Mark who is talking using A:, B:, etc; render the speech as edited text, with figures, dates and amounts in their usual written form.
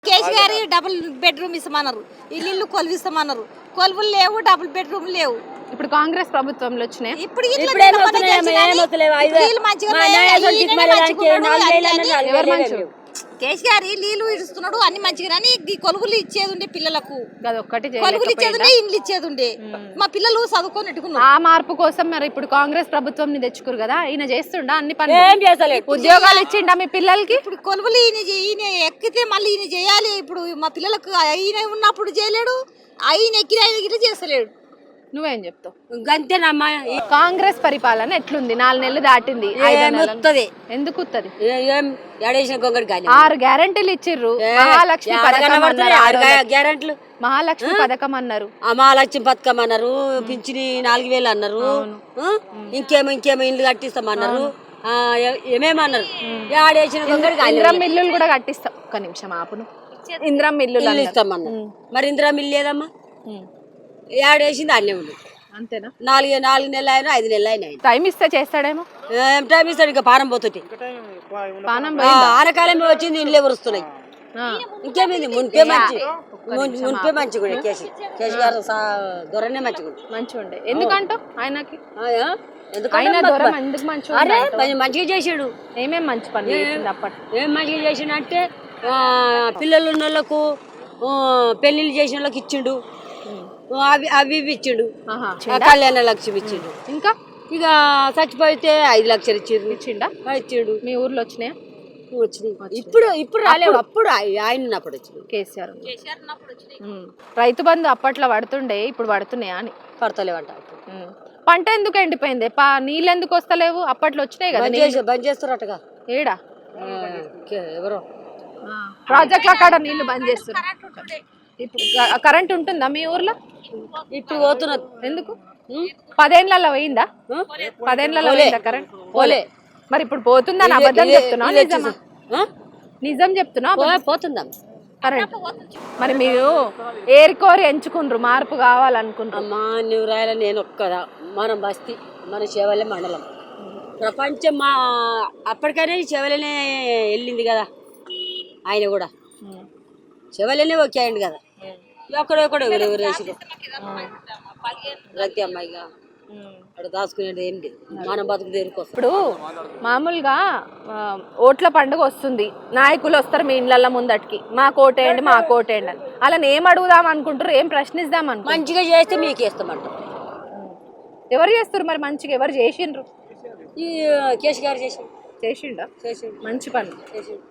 A: KCR double bedroom ఇస్తామన్నారు, ఇల్లు కొలువు ఇస్తామన్నారు. కొలువులు లేవు, డబుల్ బెడ్రూమ్ లేవు.
B: ఇప్పుడు కాంగ్రెస్ ప్రభుత్వంలో వచ్చినాయి.
A: ఇప్పుడు కేసీఆర్ నీళ్లు ఇస్తున్నాడు, అన్ని మంచిగా ఈ కొలువులు ఇచ్చేది ఉండే పిల్లలకు, కొలువులు ఇచ్చేది ఉండే, ఇండ్లు ఇచ్చేది ఉండే. మా పిల్లలు చదువుకొని పెట్టుకున్నారు. ఆ
B: మార్పు కోసం మరి ఇప్పుడు కాంగ్రెస్ ప్రభుత్వం తెచ్చుకోరు కదా, ఈయన చేస్తుండా అన్ని పనులు, ఉద్యోగాలు ఇచ్చిండా మీ పిల్లలకి?
A: ఇప్పుడు కొలువులు ఈయన ఎక్కితే మళ్ళీ ఈయన చేయాలి. ఇప్పుడు మా పిల్లలకు ఈయన ఉన్నప్పుడు చేయలేడు, ఆయన ఎక్కిన ఆయన గిట్ల చేస్తలేడు.
B: నువ్వేం చెప్తావు?
C: గంతేనమ్మా.
B: కాంగ్రెస్ పరిపాలన ఎట్లుంది? 4 నెలలు దాటింది. ఎందుకు 6 గ్యారెంటీలు ఇచ్చిర్రు. మహాలక్ష్మి పథకం అన్నారు, మహాలక్ష్మి పథకం అన్నారు,
C: మహాలక్ష్మి పథకం అన్నారు, పింఛని 4000 అన్నారు, ఇంకేమో ఇల్లు కట్టిస్తామన్నారు, ఏమేమన్నారు.
B: ఇంద్రం ఇల్లులు కూడా కట్టిస్తాం. ఒక్క నిమిషం ఆపును. ఇంద్రం ఇల్లు
C: ఇస్తామన్నారు. మరి ఇంద్రం ఇల్లు లేదమ్మా, ఏడేసింది అన్నీ ఉంది.
B: అంతేనా?
C: 4 నెలలు అయినా 5 నెలలు అయినా
B: టైం ఇస్తే చేస్తాడేమో.
C: ఏం టైం ఇస్తాడు? ఇంకా పానం పోతుంది. ఆనకాలం వచ్చింది, ఇండ్లు ఎవరుస్తున్నాయి. ఇంకేమైంది? మున్పే మంచి కూడా కేసీఆర్ దొరనే మంచిగా
B: ఉండే. ఎందుకంటూ ఆయనకి
C: మంచిగా చేసాడు.
B: ఏమేమి మంచి పని అప్పట్లో?
C: ఏం మంచిగా చేసిండు అంటే పిల్లలు ఉన్న వాళ్ళకు పెళ్లిళ్ళు చేసిన వాళ్ళకి ఇచ్చిండు, అవి ఇచ్చిండు, కళ్యాణ లక్ష్మి ఇచ్చిండు.
B: ఇంకా
C: ఇక చచ్చిపోతే 5 లక్షలు ఇచ్చిండు.
B: మీ ఊర్లో వచ్చినాయా?
C: వచ్చినాయి. ఇప్పుడు రాలేవు, అప్పుడు ఆయన ఉన్నప్పుడు వచ్చింది.
B: కేసీఆర్ రైతు బంధు అప్పట్లో పడుతుండే, ఇప్పుడు పడుతున్నాయా అని?
C: పడతలేవంట.
B: పంట ఎందుకు ఎండిపోయింది? నీళ్ళు ఎందుకు వస్తలేవు? అప్పట్లో వచ్చినాయి కదా.
C: బంద్ చేస్తారటగా.
B: ఏడా
C: ఎవరో
B: ప్రాజెక్టుల కాడ నీళ్లు బంద్ చేస్తున్నారు. ఇప్పుడు కరెంట్ ఉంటుందా మీ ఊర్లో?
C: ఇప్పుడు పోతున్నది.
B: ఎందుకు? 10 ఏళ్లలో పోయిందా? 10 ఏళ్లలో పోయిందా కరెంట్? పోలే. మరి ఇప్పుడు పోతుందని అబద్ధం చెప్తున్నా, నిజమా? నిజం చెప్తున్నా,
C: పోతుందా
B: కరెంట్? మరి మీరు ఏరికోరి ఎంచుకుండ్రు, మార్పు కావాలనుకుంటారు.
C: అమ్మా నువ్వు రాయాల, నేను ఒక్కదా. మన బస్తీ, మన చేవలే మండలం, ప్రపంచం మా అప్పటికైనా చేవలనే వెళ్ళింది కదా. ఆయన కూడా చెవలనే ఓకే అయ్యండి కదా. ఎక్కడెక్కడ ఎవరెవరు వేసి రతి అమ్మాయిగా అక్కడ దాచుకునేది ఏం లేదు. మనం బతుకు దేనికోసం.
B: ఇప్పుడు మామూలుగా ఓట్ల పండుగ వస్తుంది, నాయకులు వస్తారు మీ ఇళ్ళ ముందటికి, మా కోటేయండి మా కోటేయండి అని. అలా ఏం అడుగుదాం అనుకుంటారు, ఏం ప్రశ్నిద్దాం అనుకుంటారు?
C: మంచిగా చేస్తే మీకు వేస్తామంటారు.
B: ఎవరు చేస్తారు మరి మంచిగా? ఎవరు చేసిండ్రు?
C: ఈ కేసీఆర్ చేసిండా?
B: మంచి పని చేసిండు.